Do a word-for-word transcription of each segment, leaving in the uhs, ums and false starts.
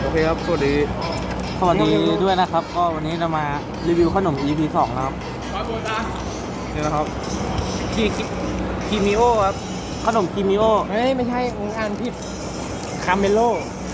โอเคครับสวัสดีสวัสดีด้วยนะครับก็วันนี้เรามารีวิวขนม อี พี สองนะครับนี่นะครับคีคีมิโอครับขนมคีมิโอเฮ้ยไม่ใช่มึงอ่านผิดคาเมโล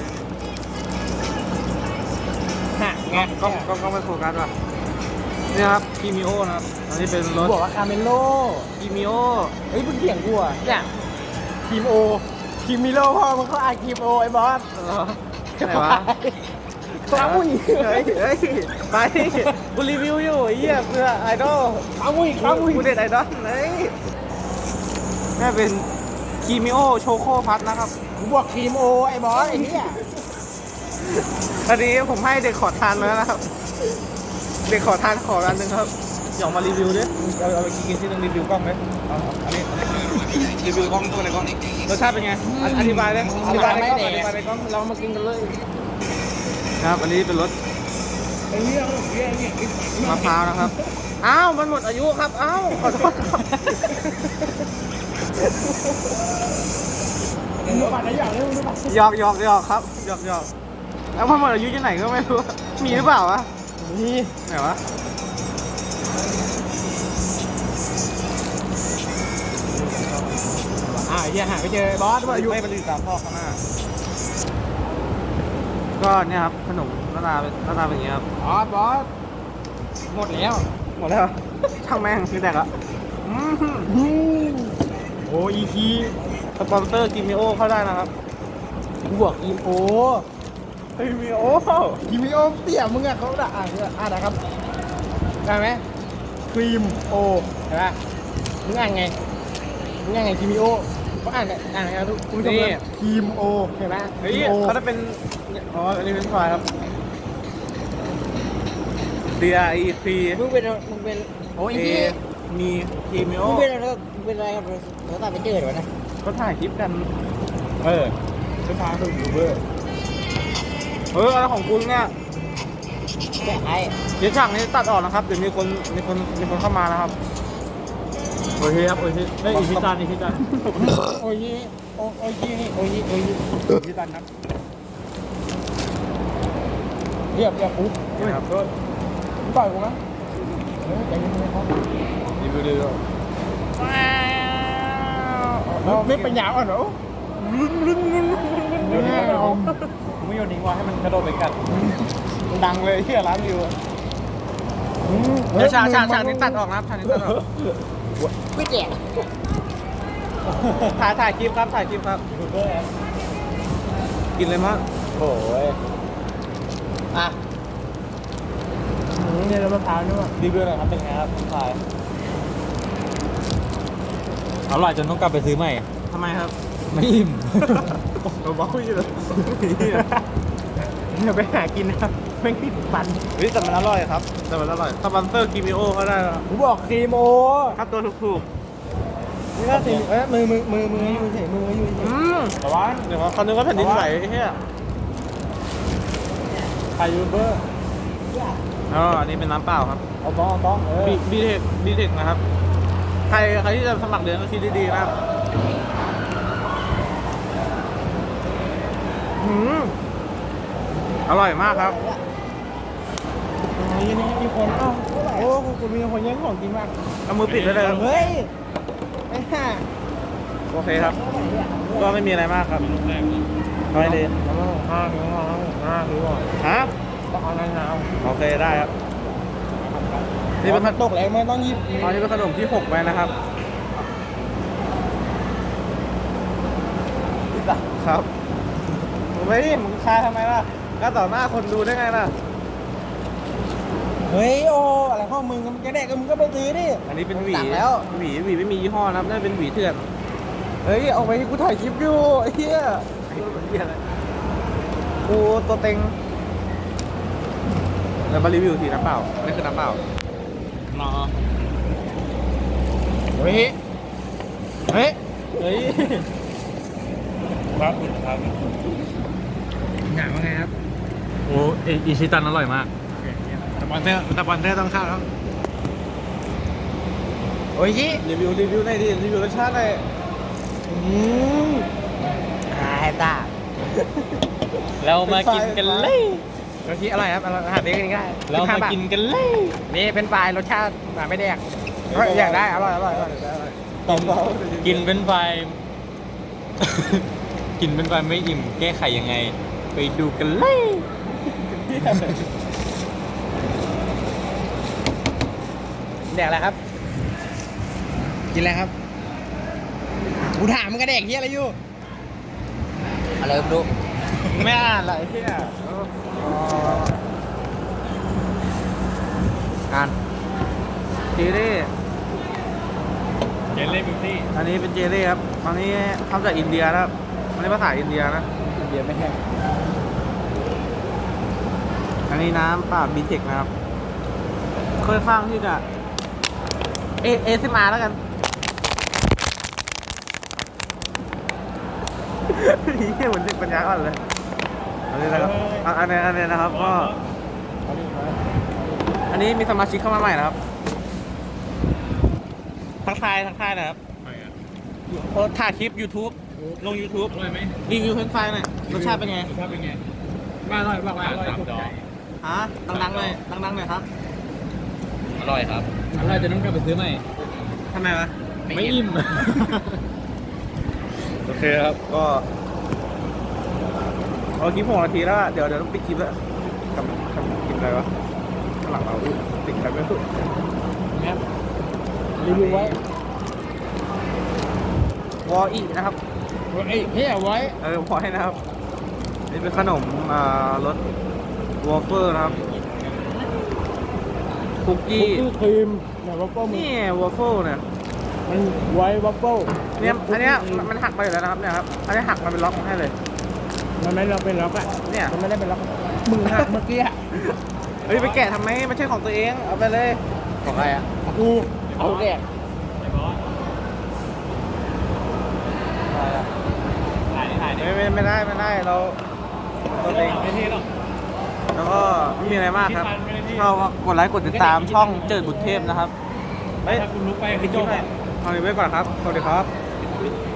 ฮะไงก็ก็ก็ไม่โฟกัสว่ะนี่ครับคีมิโอนะครับอันนี้เป็นรสบอกว่าคาเมโลคีมิโอเฮ้ยมึงเถียงกูอ่ะเนี่ยคิมโอคิมิโลพ่อมึงเขาอ่านคิมโอไอ้บอสไหนวะฟังมึงเฮ้ยเฮ้ยไปกูรีวิวอยู่ไอ้เหี้ยเพื่อไอดอลฟังมึงฟังมึงกูเด็ดไอดอลเลยนี่เป็นคีมิโอโชโคพัทนะครับกูบอกคิมโอไอ้บอสไอ้เหี้ยอันนี้ผมให้เด็กขอทานมาแล้วนะครับ เด็กขอทานขอร้านหนึ่งครับอยากมารีวิวดิเราเอาไปกินที่ต้องรีวิวกล้องไหมเอาอันนี้รีวิวกล้องตัวไหนกล้องนี้รสชาติเป็นไงอธิบายเลยอธิบายในกล้องอธิบายในกล้องเรามากินกันเลยครับอันนี้เป็นรสมะพร้าวนะครับอ้าวมันหมดอายุครับอ้าวขอโทษครับมึงดูบัตรไหนอย่างนี้มึงดูบัตรหยอกหยอกหยอกครับหยอกหยอกแล้วมันหมดอายุที่ไหนก็ไม่รู้มีหรือเปล่าวะนี่ไหนวะอ่าเฮียหาไปเจอไอ้บอสว่าอยู่ไม่มันอยู่ตามพ่อข้างหน้าก็เนี่ยครับขนมหน้าตาเป็นหน้าตาเป็นอย่างนี้ครับบอสบอสหมดแล้วหมดแล้ว ช่างแม่งคือแตกละอืมอืมโอ้อีคีสปอนเซอร์กิมิโอเข้าได้นะครับกูบอกอีโอกิมิโอคิมิโอเตี่ยมึงอะเขาด่าอ่านอ่านนะครับได้ไหมครีมโอเห็นปะมึงอ่านไงมึงอ่านไงคิมิโอเขาอ่านอ่านไงทุกคุณผู้ชมเลยครีมโอเห็นไหมเฮ้ยโอเขาจะเป็นอ๋ออันนี้เป็นไฟล์ครับ D R E P มึงเป็นมึงเป็นโอ้ย A ที่มีกิมิโอมึงเป็นอะไรมึงเป็นอะไรครับเราตัดไปเจอเดี๋ยวนะก็ถ่ายคลิปกันเออเป็นทางดูยูเบอร์เอออะไรของคุณเนี่ยแค่ไอ้เดี๋ยวฉากนี้ตัดออกนะครับเดี๋ยวมีคนมีคนมีคนเข้ามานะครับโอเคครับโอเคได้อีกพิจารณ์อีกพิจารณ์โอ้ยโอ้ยโอ้ยนี่โอ้ยโอ้ยพิจารณ์ครับเรียบเรียบปุ๊บนี่ครับมึงต่อยกูนะเฮ้ยใจเย็นๆครับรีวิวดีด้วยเราไม่ปัญญาอ่อนเหรอโยนทิ้งไว้ผมไม่โยนทิ้งไว้ให้มันกระโดดไปกัดมันดังเลยที่ร้านวิวเดี๋ยวฉากฉากฉากนี้ตัดออกนะครับฉากนี้ตัดออกไม่แจกถ่ายถ่ายคลิปครับถ่ายคลิปครับกินเลยมั้งโอ้ยอ่ะเนี่ยเรามะพร้าวนี่ว่ะรีวิวหน่อยครับเป็นไงครับถ่ายอร่อยจนต้องกลับไปซื้อใหม่ทำไมครับไม่อิ่มเราบอกอยู่เลยเดี๋ยวไปหากินนะครับแม่งติดฟันเฮ้ยแต่มันอร่อยครับแต่มันอร่อยสปอนเซอร์กิมิโอเขาได้แล้วกูบอกครีมโอครับตัวถูกนี่ก็สิเอ้ยมือมือมือมืออยู่เฉยมืออยู่ๆเฉอืยมแต่ว่าเดี๋ยวเขานึกว่าแผ่นดินไหวไอ้เหี้ยใครยูเบอร์อ๋ออันนี้เป็นน้ำเปล่าครับเอาต้องเอาต้องเออบีบีเทคบีเทคนะครับใครใครที่จะสมัครเรียนก็คิดดีๆนะครับอืมอร่อยมากครับนี่นี่มีคนเอ้าโอ้กูมีคนแย่งของกินมากเอามือปิดได้เลยครับเฮ้ยไอ้ห่าโอเคครับ ก็ไม่มีอะไรมากครับน้อยดีแล้วก็ห้าถึงห้าห้าถึงก่อนฮะต้องเอาในน้ำโอเคได้ครับ นี่นี่เป็เป็น นขขันดมตกแรงไม่ต้องหยิบตอนนี้เป็นขนมที่หกไปนะครับ ครับมึงไม่ดิมึงคายทำไมล่ะก็ต่อหน้าคนดูได้ไงล่ะเฮ้ยโออะไรข้อมึงมันจะแดกก็มึงก็ไปซื้อดิอันนี้เป็นหวีตัดแล้วหวีหวีไม่มียี่ห้อนะครับน่าจะเป็นหวีเถื่อน เฮ้ยเอาไปที่กูถ่ายคลิปอยู่ไอ้เหี้ยกูตัวเต็งแล้วมารีวิวทีน้ำเปล่านี่คือน้ำเปล่านอเฮ้ยเฮ้ยเฮ้ยครับครับหนังว่าไงครับโอ้อิชิตันอร่อยมากสปอนเซอร์สปอนเซอร์ต้องเข้าครับโอ้ยชิรีวิวรีวิวหน่อยดิรีวิวรสชาติหน่อยอืมหายตาเรามากินกันเลยรสที่อร่อยครับอร่อยหาซื้อกันง่ายเรามากินกันเลยนี่เป็นปลายรสชาติแบบไม่แดกเฮ้ยอยากได้อร่อยอร่อยอร่อยต่อเบากินเป็นไฟ กินเป็นไฟไม่อิ่มแก้ไขยังไง ไปดูกันเลยแดกอะไรครับ กินอะไรครับกูถามมึงกระแดกเฮียอะไรอยู่อะไรไม่รู้ไม่อ่านอะไรเฮียอ่านเจเล่เจลลี่บิวตี้อันนี้เป็นเจเล่ครับอันนี้ทำจากอินเดียนะครับอันนี้ภาษาอินเดียนะอินเดียไม่แห้งอันนี้น้ำเปล่าบีเทคนะครับค่อนข้างที่จะเอเอซิมาแล้วกันเฮียเหมือนเด็กปัญญาอ่อนเลยอันนี้นะครับอ่ะอันนี้อันนี้นะครับก็อันนี้มีสมาชิกเข้ามาใหม่นะครับทักทายทักทายนะครับโอ้ถ่ายคลิป YouTube ลง YouTube อร่อยไหมรีวิวเฟรนช์ฟรายหน่อยรสชาติเป็นไงรสชาติเป็นไงมาอร่อยบอกว่าอร่อยสามถูกดอใจกฮะดังๆหน่อยดังๆหน่อยครับอร่อยครับ อร่อยจะต้องกลับไปซื้อใหม่ทำไมวะไม่อิ่มโอเคครับ ก็เอาคลิปหกนาทีแล้วอะเดี๋ยวเดี๋ยวต้องปิดคลิปแล้วกำลังกำลังกินอะไรวะข้างหลังเราอุ๊ยติดอะไรไม่รู้ครับรีวิวไว้วออีนะครับไอ้เฮียไว้เออพอให้นะครับ นี่เป็นขนมอ่ารสวอฟเฟอร์นะครับคุกคุกกี้กี้ครีมเนี่ยวัฟเฟิลมันนี่วอฟเฟิลเนี่ยมันไว้วัฟเฟิลเนี่ยอันเนี้ยมันมันหักไปอยู่แล้วนะครับเนี่ยครับอันนี้หักมาเป็นล็อกมาให้เลยมันไม่เราเป็นล็อกอะเนี่ยมันไม่ได้เป็นล็อกมึงหักเมื่อกี้อะเฮ้ยไปแกะทำไมไม่ใช่ของตัวเองเอาไปเลยของใครอะกูเอาแดกถ่ายถ่ายไม่ไม่ไม่ได้ไม่ได้เราเราเองไม่เท่หรอกแล้วก็ไม่มีอะไรมากครับก็กดไลค์กดติดตามช่องเจิดบุตรเทพนะครับเฮ้ยถ้าคุณลุกไปปิดคลิปหน่อยเอาไว้ก่อนครับสวัสดีครับไ